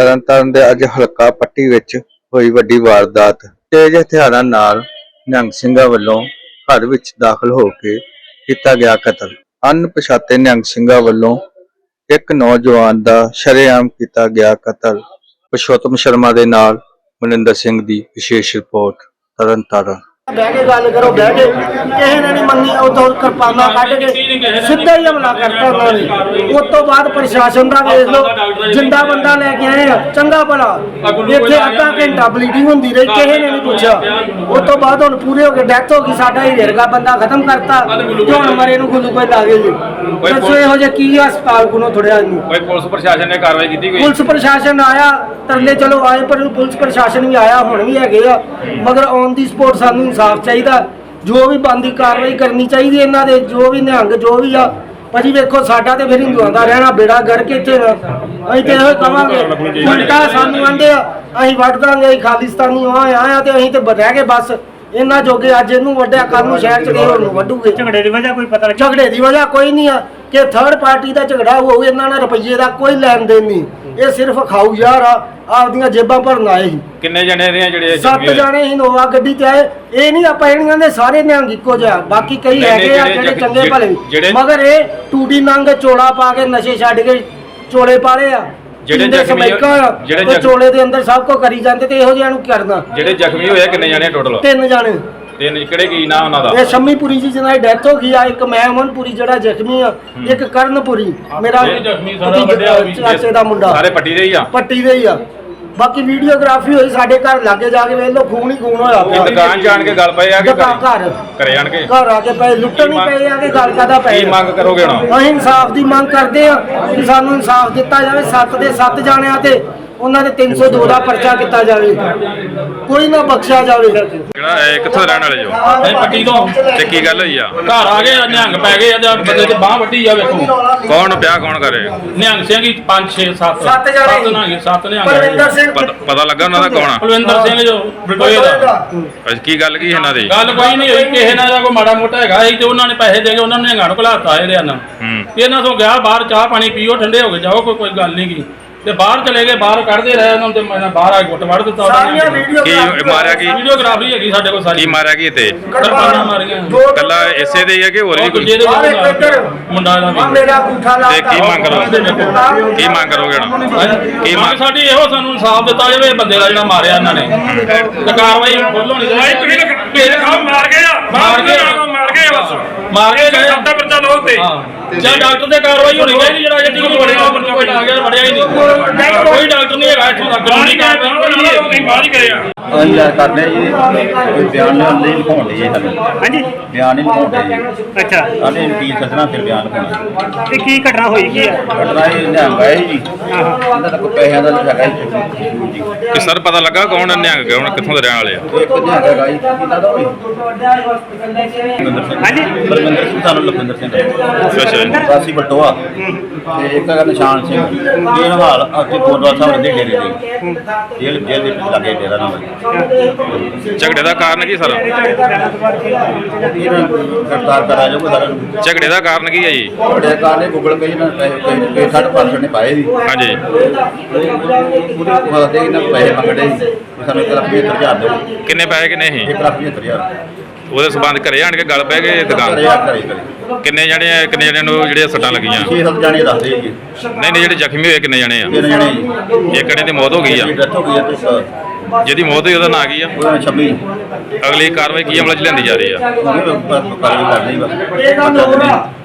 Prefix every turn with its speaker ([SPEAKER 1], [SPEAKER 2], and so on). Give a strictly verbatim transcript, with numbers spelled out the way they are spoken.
[SPEAKER 1] ਤਰਨਤਾਰਨ ਦੇ ਅੱਜ ਹਲਕਾ ਪੱਟੀ ਵਿੱਚ ਹੋਈ ਵੱਡੀ ਵਾਰਦਾਤ। ਤੇਜ਼ ਹਥਿਆਰਾਂ ਨਾਲ ਨਿਹੰਗ ਸਿੰਘਾਂ ਵੱਲੋਂ ਘਰ ਵਿੱਚ ਦਾਖਲ ਹੋ ਕੇ ਕੀਤਾ ਗਿਆ ਕਤਲ। ਅਣਪਛਾਤੇ ਨਿਹੰਗ ਸਿੰਘਾਂ ਵੱਲੋਂ ਇੱਕ ਨੌਜਵਾਨ ਦਾ ਸ਼ਰੇਆਮ ਕੀਤਾ ਗਿਆ ਕਤਲ। ਪੁਰਸ਼ੋਤਮ ਸ਼ਰਮਾ ਦੇ ਨਾਲ ਮਨਿੰਦਰ ਸਿੰਘ ਦੀ ਵਿਸ਼ੇਸ਼ ਰਿਪੋਰਟ ਤਰਨਤਾਰਨ।
[SPEAKER 2] बह के गल करो बह के किसी ने नहीं मनी उतो किरपाना कट के सीधा ही हमला करता उन्होंने। उस तो बाद प्रशासन का देख लो जिंदा बंदा लेके आए चंगा भला इतने अद्धा घंटा ब्लीडिंग होंदी रही किसी ने नहीं पूछा। उस तो बाद हम पूरे हो गए डेथ हो गई साडा ही वर्गा बंदा खत्म करता जो हम मरे नूं ग्लूकोज ला गए जी। दसो इहो जिहा की हस्पताल कोलों थोड़िया नहीं
[SPEAKER 3] कोई पुलिस प्रशासन ने कार्रवाई की कोई
[SPEAKER 2] पुलिस प्रशासन आया तरले चलो आए पर पुलिस प्रशासन भी आया हुण भी हैगे आ मगर ऑन दी स्पॉट सानूं इंसाफ चाहिए जो भी बनती कार्रवाई करनी चाहिए इन्हों के जो भी निहंग जो भी आ भाजी वेखो साडा तो फिर हिंदुओं का रहना बेड़ा गर्क इत्थे असीं ते इहो कहांगे उल्टा सानूं आंदे असीं वड्ड दांगे असीं खालिस्तानी आए तो असीं ते रह गए बस इन्ना जोगे अज इनू वड्डिया कल नूं शहर च गए होर वड्डूगे। झगड़े की वजह कोई पता नहीं झगड़े की वजह कोई नहीं है कि थर्ड पार्टी का झगड़ा हो इन्हां नाल रुपये का कोई लैन देन नहीं ये सिर्फ खाऊ यार आ आपदियां जेबां भरन आए ही।
[SPEAKER 3] किन्ने जने ने जेड़े
[SPEAKER 2] सत्त जाने इनोवा गड्डी च आए ये नहीं आपां इहनियां दे सारे निहंग इक्को जिहा बाकी कई हैगे आ जेड़े चंगे भले मगर ये टूटी नंग चोला पा के नशे छड्ड के चोले पाले आ
[SPEAKER 3] ਜਿਹੜੇ ਜ਼ਖਮੀ ਜਿਹੜੇ
[SPEAKER 2] ਚੋਲੇ ਦੇ ਅੰਦਰ ਸਭ ਕੋ ਕਰੀ ਜਾਂਦੇ ਤੇ ਇਹੋ ਜਿਹਾ ਨੂੰ ਕਰਨਾ।
[SPEAKER 3] ਜਿਹੜੇ ਜ਼ਖਮੀ ਹੋਏ ਕਿੰਨੇ ਜਾਣੇ ਟੋਟਲ?
[SPEAKER 2] ਤਿੰਨ ਜਾਣੇ।
[SPEAKER 3] ਤਿੰਨ ਕਿਹੜੇ ਕੀ ਨਾਮ ਉਹਨਾਂ ਦਾ?
[SPEAKER 2] ਇਹ ਸ਼ੰਮੀਪੁਰੀ ਜੀ ਜਿਹਨਾਂ ਦੀ ਡੈਥ ਹੋ ਗਈ ਆ ਇੱਕ ਮੈਂ ਅਮਨਪੁਰੀ ਜਿਹੜਾ ਜ਼ਖਮੀ ਆ ਇੱਕ ਕਰਨਪੁਰੀ ਮੇਰਾ
[SPEAKER 3] ਜ਼ਖਮੀ ਸਾਰਾ ਵੱਡਿਆ
[SPEAKER 2] ਚਾਚੇ ਦਾ ਮੁੰਡਾ ਸਾਰੇ
[SPEAKER 3] ਪੱਟੀ ਦੇ ਹੀ ਆ
[SPEAKER 2] ਪੱਟੀ ਦੇ ਹੀ ਆ। बाकी वीडियोग्राफी हुई साडे घर लागे जाके वेख लो खून ही खून होया पिया।
[SPEAKER 3] दुकान जान के गल पे आ के
[SPEAKER 2] घर
[SPEAKER 3] घरे आन के
[SPEAKER 2] घर आके पे लुट्टन ही पे आ के गल कादा पे
[SPEAKER 3] की मांग करोगे ना?
[SPEAKER 2] असीं इंसाफ दी मांग करदे आ कि सानू इंसाफ दिता जावे। सत्त दे सत्त जाणियां ते ਉਹਨਾਂ ਦੇ तीन सौ दो ਦਾ ਪਰਚਾ ਕੀਤਾ ਜਾਵੇ ਕੋਈ ਨਾ ਬਖਸ਼ਿਆ ਜਾਵੇ।
[SPEAKER 3] ਜਿਹੜਾ ਇਹ ਕਿੱਥੋਂ ਦੇ ਰਹਿਣ ਵਾਲੇ ਜੋ?
[SPEAKER 4] ਇਹ ਪੱਟੀ ਤੋਂ।
[SPEAKER 3] ਤੇ ਕੀ ਗੱਲ ਹੋਈ ਆ?
[SPEAKER 4] ਘਰ ਆ ਗਏ ਨਿਹੰਗ ਪੈ ਗਏ ਆ ਬੰਦੇ ਤੇ ਬਾਹ ਵੱਢੀ ਆ ਵੇਖੋ।
[SPEAKER 3] ਕੌਣ ਵਿਆਹ ਕੌਣ ਕਰੇ?
[SPEAKER 4] ਨਿਹੰਗ ਸਿੰਘ ਹੀ ਪੰਜ ਛੇ ਸੱਤ
[SPEAKER 2] ਸੱਤ ਜਾਣੇ
[SPEAKER 4] ਨਿਹੰਗ ਸੱਤ ਨਿਹੰਗ।
[SPEAKER 2] ਪਰਵਿੰਦਰ ਸਿੰਘ
[SPEAKER 3] ਪਤਾ ਲੱਗਾ ਉਹਨਾਂ ਦਾ ਕੌਣ ਆ?
[SPEAKER 4] ਪਰਵਿੰਦਰ ਸਿੰਘ ਜੋ ਬਟੋਏ ਦਾ।
[SPEAKER 3] ਅੱਛਾ ਕੀ ਗੱਲ ਕੀ ਇਹਨਾਂ ਦੀ?
[SPEAKER 4] ਗੱਲ ਕੋਈ ਨਹੀਂ ਹੋਈ ਕਿਸੇ ਨਾਲ ਦਾ ਕੋਈ ਮਾੜਾ ਮੋਟਾ ਹੈਗਾ ਸੀ ਤੇ ਉਹਨਾਂ ਨੇ ਪੈਸੇ ਦੇ ਕੇ ਉਹਨਾਂ ਨੇ ਨਿਹੰਗਾਂ ਨੂੰ ਘਲਾਤਾ ਇਹਦੇ ਨਾਲ। ਇਹਨਾਂ ਤੋਂ ਗਿਆ ਬਾਹਰ ਚਾਹ ਪਾਣੀ ਪੀਓ ਠੰਡੇ ਹੋ ਕੇ ਜਾਓ ਕੋਈ ਕੋਈ ਗੱਲ ਨਹੀਂ ਕੀ ਤੇ ਬਾਹਰ ਚਲੇ ਗਏ ਬਾਹਰ ਕੱਢਦੇ ਰਹੇ ਉਹਨਾਂ ਤੇ ਮੈਂ ਬਾਹਰ ਆ ਕੇ ਗੁੱਟ ਵੜ ਦਿੱਤਾ ਉਹਨਾਂ ਨੇ।
[SPEAKER 3] ਕੀ ਮਾਰਿਆ ਕੀ?
[SPEAKER 4] ਵੀਡੀਓਗ੍ਰਾਫੀ ਹੈਗੀ ਸਾਡੇ ਕੋਲ ਸਾਰੀ।
[SPEAKER 3] ਕੀ ਮਾਰਿਆ ਕੀ ਤੇ?
[SPEAKER 4] ਕਿਰਪਾਨਾਂ ਮਾਰੀਆਂ
[SPEAKER 3] ਕੱਲਾ ਇਸੇ ਦੇ ਹੀ ਆ ਕਿ ਹੋਰ ਵੀ ਕੋਈ?
[SPEAKER 4] ਮੁੰਡਾ ਦਾ ਵੀ।
[SPEAKER 2] ਮੇਰਾ ਅੰਗੂਠਾ ਲਾ
[SPEAKER 3] ਤੇ ਕੀ ਮੰਗ ਕਰੋਗੇ? ਕੀ ਮੰਗ ਕਰੋਗੇ ਨਾ?
[SPEAKER 4] ਕੀ ਮੰਗ ਸਾਡੀ ਇਹੋ ਸਾਨੂੰ ਇਨਸਾਫ ਦਿੱਤਾ ਜਾਵੇ ਬੰਦੇ ਦਾ ਜਿਹੜਾ ਮਾਰਿਆ ਇਹਨਾਂ ਨੇ ਤੇ ਕਾਰਵਾਈ ਫੁੱਲ ਹੋਣੀ ਚਾਹੀਦੀ।
[SPEAKER 3] ਮਾਰ ਗਏ ਆ
[SPEAKER 4] ਮਾਰ ਗਏ
[SPEAKER 3] ਮਾਰ ਗਏ ਬਸ
[SPEAKER 4] ਮਾਰ ਕੇ ਗਏ
[SPEAKER 3] ਸੱਤਾ ਪਰਚਾ ਲੋ ਤੇ
[SPEAKER 4] ਜਾਂ ਡਾਕਟਰ ਤੇ ਕਾਰਵਾਈ ਹੋਣੀ ਚਾਹੀਦੀ ਜਿਹੜਾ ਜੱਟੀ ਨੂੰ ਵੜਿਆ ਕੋਈ ਆ ਗਿਆ ਵੜਿਆ ਹੀ ਨਹੀਂ ਕੋਈ ਡਾਕਟਰ ਨਹੀਂ ਹੈਗਾ ਇੱਥੋਂ ਦਾ ਕਾਨੂੰਨੀ ਕਾਰਵਾਈ ਬਾਹਰ ਹੀ ਕਰਿਆ।
[SPEAKER 5] ਅਸੀਂ ਯਾਰ ਕਰਦੇ ਜੀ ਕੋਈ ਬਿਆਨ ਨਹੀਂ ਲਿਖਾਉਣ ਦੀ ਸਾਨੂੰ।
[SPEAKER 6] ਹਾਂਜੀ
[SPEAKER 5] ਬਿਆਨ ਨਹੀਂ ਲਿਖਾਉਂਦੇ ਜੀ।
[SPEAKER 6] ਅੱਛਾ
[SPEAKER 5] ਸਾਡੇ ਵਕੀਲ ਸੱਜਣਾ ਫਿਰ ਬਿਆਨ ਲਿਖਾਉਣਾ।
[SPEAKER 6] ਤੇ ਕੀ ਘਟਨਾ ਹੋਈ ਕੀ ਹੈ?
[SPEAKER 5] ਘਟਨਾ ਇਹ ਨਿਹੰਗ ਹੈ ਜੀ ਇਹਨਾਂ ਦਾ ਕੋਈ ਪੈਸਿਆਂ ਦਾ ਨਹੀਂ ਹੈਗਾ ਜੀ।
[SPEAKER 3] ਕਿ ਸਰ ਪਤਾ ਲੱਗਾ ਕੌਣ ਨਿਹੰਗ ਕੌਣ ਕਿੱਥੋਂ ਦੇ ਰਹਿਣ ਵਾਲੇ ਆ?
[SPEAKER 5] ਇੱਕ ਨਿਹੰਗ ਹੈਗਾ ਜੀ ਇਹਨਾਂ ਦਾ ਹੋਈ
[SPEAKER 6] ਹਾਂਜੀ
[SPEAKER 5] ਬਲਵਿੰਦਰ ਸਿੰਘ ਸਾਨੂੰ ਲਖਵਿੰਦਰ ਸਿੰਘ
[SPEAKER 3] ਅੱਛਾ ਜੀ।
[SPEAKER 5] ਵਾਸੀ ਬਟੋਆ ਤੇ ਇੱਕ ਹੈਗਾ ਨਿਸ਼ਾਨ ਸਿੰਘ ਇਹ ਹਾਲ ਅੱਜ ਗੁਰਦੁਆਰਾ ਸਾਹਿਬ ਦੇ ਡੇਰੇ ਦੇ ਜੇਲ੍ਹ ਜੇਲ੍ਹ ਦੇ ਲਾਗੇ ਡੇਰਾ ਨਾਮ ਹੈ।
[SPEAKER 3] ਝਗੜੇ ਦਾ ਕਾਰਨ ਕੀ ਸਰ?
[SPEAKER 5] ਇਹਨੂੰ ਗ੍ਰਿਫਤਾਰ ਕਰਾ ਜਾਊਗਾ ਸਾਰਿਆਂ ਨੂੰ।
[SPEAKER 3] ਝਗੜੇ ਦਾ ਕਾਰਨ ਕੀ ਹੈ ਜੀ?
[SPEAKER 5] ਬੜੇ ਕਾਰਨੇ ਗੂਗਲ ਪੇ ਨਾਲ ਪੈਸੇ ਸਾਢੇ ਪੰਜ ਸੌ ਨੇ ਪਾਏ ਸੀ।
[SPEAKER 3] ਹਾਂਜੀ
[SPEAKER 5] ਪੂਰੀ ਖਵਾਦੇ ਇਹਨਾਂ ਪੈਸੇ ਮੰਗਦੇ ਸੀ ਸਾਨੂੰ ਇੱਕ ਲੱਖ ਪਝੱਤਰ ਹਜ਼ਾਰ ਦਿਓ।
[SPEAKER 3] ਕਿੰਨੇ ਪੈਸੇ ਕਿੰਨੇ ਸੀ?
[SPEAKER 5] ਇੱਕ ਲੱਖ ਪਝੱਤਰ ਹਜ਼ਾਰ
[SPEAKER 3] ਉਹਦੇ ਸਬੰਧ ਘਰੇ ਆਣ ਕੇ ਗੱਲ ਪੈ ਗਏ ਦੁਕਾਨ?
[SPEAKER 5] ਘਰੇ ਆ ਘਰੇ ਘਰੇ
[SPEAKER 3] ਕਿੰਨੇ ਜਣੇ ਕਿੰਨੇ ਜਣੇ ਨੂੰ ਜਿਹੜੇ ਸੱਟਾਂ ਲੱਗੀਆਂ?
[SPEAKER 5] ਛੇ ਸੱਤ ਜਾਣੇ ਦੱਸਦੇ ਜੀ।
[SPEAKER 3] ਨਹੀਂ ਨਹੀਂ ਜਿਹੜੇ ਜ਼ਖਮੀ ਹੋਏ ਕਿੰਨੇ ਜਣੇ ਆ?
[SPEAKER 5] ਤਿੰਨ ਜਣੇ ਜੀ।
[SPEAKER 3] ਇੱਕ ਜਣੇ ਦੀ ਮੌਤ ਹੋ ਗਈ ਆ।
[SPEAKER 5] ਡੈਥ ਹੋ ਗਈ ਆ ਤੇ ਇੱਕ
[SPEAKER 3] ਜਿਹਦੀ ਮੌਤ ਹੋਈ ਉਹਦਾ ਨਾਂ ਕੀ ਆ?
[SPEAKER 5] ਉਹਨਾਂ ਛੱਬੀ
[SPEAKER 3] ਅਗਲੀ ਕਾਰਵਾਈ ਕੀ ਅਮਲ ਚ ਲਿਆਂਦੀ ਜਾ ਰਹੀ ਆ?
[SPEAKER 5] ਉਹ ਵੀ ਕਾਰਵਾਈ ਕਰ ਲਈ ਬਸ।